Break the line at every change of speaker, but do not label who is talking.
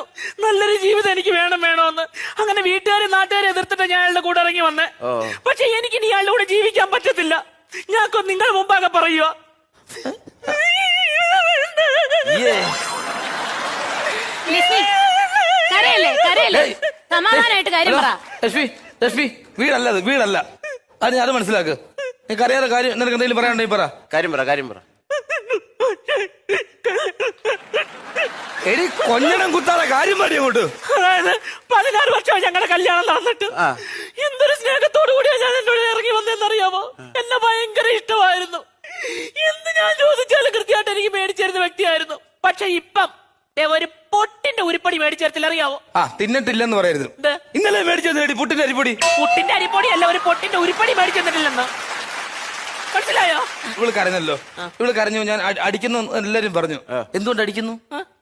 നല്ലൊരു ജീവിതം എനിക്ക് വേണമെന്ന്. അങ്ങനെ വീട്ടുകാരെ നാട്ടുകാരെ എതിർത്തിട്ട് ഞാൻ അയാളുടെ കൂടെ ഇറങ്ങി വന്നേ. പക്ഷെ എനിക്ക് ഇനി അയാളുടെ കൂടെ ജീവിക്കാൻ പറ്റത്തില്ല. ഞാൻ നിങ്ങൾ മുമ്പാകെ പറയുക.
സമാധാനമായിട്ട് കാര്യം പറ.
ലക്ഷ്മി വീടല്ലത്, വീടല്ല. അത് അത് മനസ്സിലാക്ക്. നിനക്ക് അറിയാതെ കാര്യം നിനക്ക് എന്തെങ്കിലും പറയാനുണ്ടെങ്കിൽ പറ.
കാര്യം പറ.
എടി കൊഞ്ഞണം കുത്താതെ കാര്യം പറയും അങ്ങോട്ട്.
അതായത് 16 വർഷമായി ഞങ്ങളുടെ കല്യാണം നടന്നിട്ട് എന്തൊരു സ്നേഹത്തോടു കൂടിയാ ഞാൻ എന്നോട് ഇറങ്ങി വന്നതെന്നറിയാമോ? എന്നെ ഭയങ്കര ഇഷ്ടമായിരുന്നു. എന്ത് ഞാൻ ചോദിച്ചാലും കൃത്യമായിട്ട് എനിക്ക് മേടിച്ചിരുന്ന വ്യക്തിയായിരുന്നു. പക്ഷെ ഇപ്പം ഒരു പൊട്ടിന്റെ ഉരുപ്പടി മേടിച്ചേരത്തില്ല, അറിയാവോ?
തിന്നിട്ടില്ലെന്ന് പറയരുത്. ഇന്നലെ മേടിച്ചത് പുട്ടിന്റെ അരിപ്പൊടി.
പുട്ടിന്റെ അരിപ്പൊടി അല്ല, ഒരു പൊട്ടിന്റെ ഉരുപ്പടി മേടിച്ചെന്നിട്ടില്ലെന്ന്. മനസ്സിലായോ?
ഇവള് കരഞ്ഞല്ലോ. ഇവള് കരഞ്ഞു. ഞാൻ അടിക്കുന്നു എല്ലാരും പറഞ്ഞു. എന്തുകൊണ്ട് അടിക്കുന്നു?